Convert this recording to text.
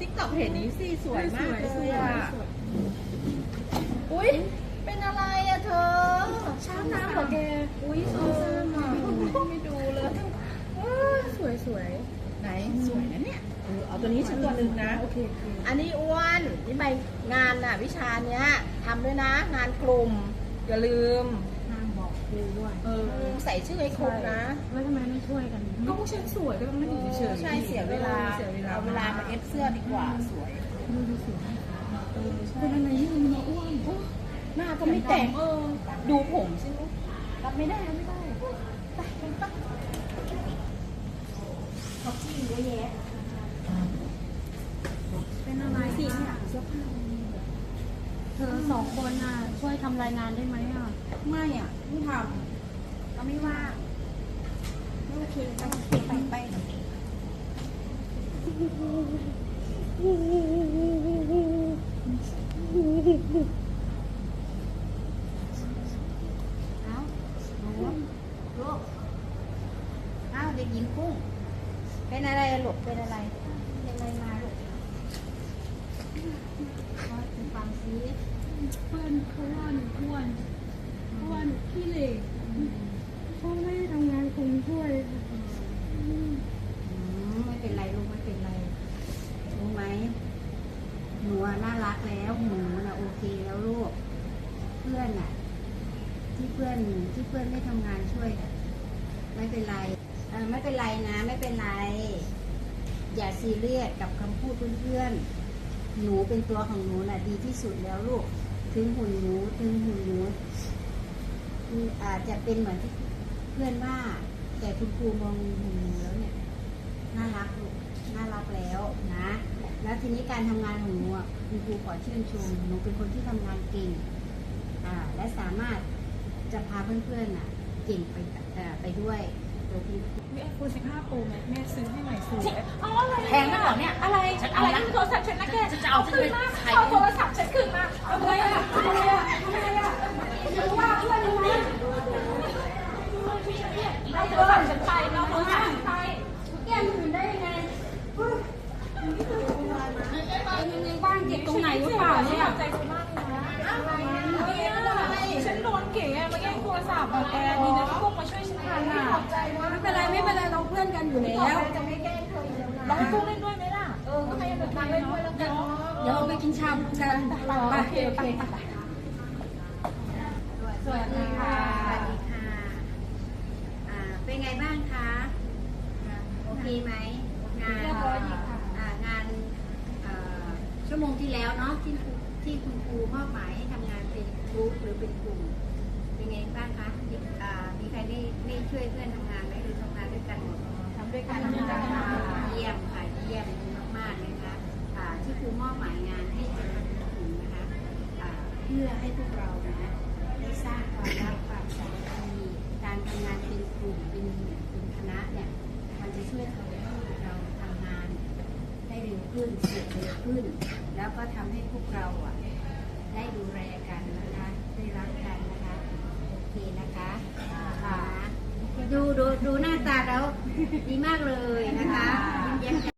ติ๊กต็อกเห็นนี้สิสวยมากเลยอ่ะอุ้ยเป็นอะไรอะเธอช้างน้ำเหรอแกอุ้ยสวยมากไม่ดูเลยสวยไหนสวยนะเนี่ยเอาตัวนี้ชิ้นตัวหนึ่งนะโอเคอันนี้อ้วนนี่ใบงานน่ะวิชาเนี้ยทำด้วยนะงานกลุ่มอย่าลืมนางบอกครูด้วยใส่ชื่อให้ครบนะแล้วทำไมไม่ช่วยกันก็พวกฉันสวยก็ต้องไม่อยู่เฉยๆใช่เสียเวลาเอาเวลามาเอฟเสื้อดีกว่าสวยดูสวยเป็นอะไรที่มันอ้วนหน้าก็ไม่แต่งดูผมใช่ไหมรับไม่ได้ไปเขาจี้เยอะแยะเป็นอะไรสิเนี่ยเธอสองคนน่ะช่วยทำรายงานได้ไหมอ่ะไม่ทำเราไม่ว่างไม่โอเคไปเด็กหญิงกุ้งเป็นอะไรหลบเป็นอะไรมาหลบฟังซิเพื่อนเขาว่าหนูอ้วนขี้เหร่พ่อแม่ทำงานคงช่วยไม่เป็นไรลูกไม่เป็นไรรู้ไหมหนูน่ารักแล้วหนูน่ะโอเคแล้วลูกเพื่อนน่ะที่เพื่อนไม่ทำงานช่วยไม่เป็นไรไม่เป็นไรนะไม่เป็นไรอย่าซีเรียสกับคำพูดเพื่อนหนูเป็นตัวของหนูน่ะดีที่สุดแล้วลูกถึงหุ่นหนูอาจจะเป็นเหมือนที่เพื่อนว่าแต่คุณครูมองหุ่นหนูแล้วเนี่ยน่ารักลูกน่ารักแล้วนะแล้วทีนี้การทำงานของหนูคุณครูขอชื่นชมหนูเป็นคนที่ทำงานเก่งและสามารถจะพาเพื่อนๆเก่งไปด้วยมีไอโฟน15 Pro ไหมแม่ซื้อให้ใหม่ซื้อแพงมากเหรอเนี่ยอะไรโทรศัพท์ฉันนะแกจะเอาคืนมาเอาโทรศัพท์ฉันคืนมาอะไรอะว่าเพื่อนยังไงเอาโทรศัพท์ฉันไปเอาโทรศัพท์ฉันไปแกมันอื่นได้ยังไงบ้านเก็บตรงไหนหรือเปล่าเนี่ยใจกูมากเลยนะฉันโดนเก๋มาแย่งโทรศัพท์แกดีนะที่พวกมาช่วยฉันทันอ่ะไม่เป็นไรเราเพื่อนกันอยู่แล้วจะไม่แกล้งเธออยู่แล้วนะเราให้พวกเล่นด้วยไหมล่ะก็ให้เด็กเล่นด้วยแล้วกันเดี๋ยวเราไปกินชาบูกันไปสวัสดีค่ะเป็นไงบ้างคะโอเคไหมงานชั่วโมงที่แล้วเนาะที่คุณครูมอบหมายให้ทำงานเป็นกรุ๊ปหรือเป็นกลุ่มเป็นไงบ้างคะมีใครได้ช่วยเพื่อนทำงานไหมหรือทำงานด้วยกันหมดทำด้วยกันเยี่ยมค่ะเยี่ยมมากๆนะคะที่ครูมอบหมายงานให้เป็นกลุ่มนะคะเพื่อให้พวกเรานะได้สร้างความรักความสามัคคีการทำงานเป็นกลุ่มเป็นคณะเนี่ยมันจะช่วยทำให้เราทำงานได้เร็วขึ้นเสร็จเร็วขึ้นแล้วก็ทำให้พวกเราได้ดูแลกันนะคะได้รักกันนะคะโอเคนะคะดูหน้าตาแล้วดีมากเลยนะคะยิ้มแย้มแจ่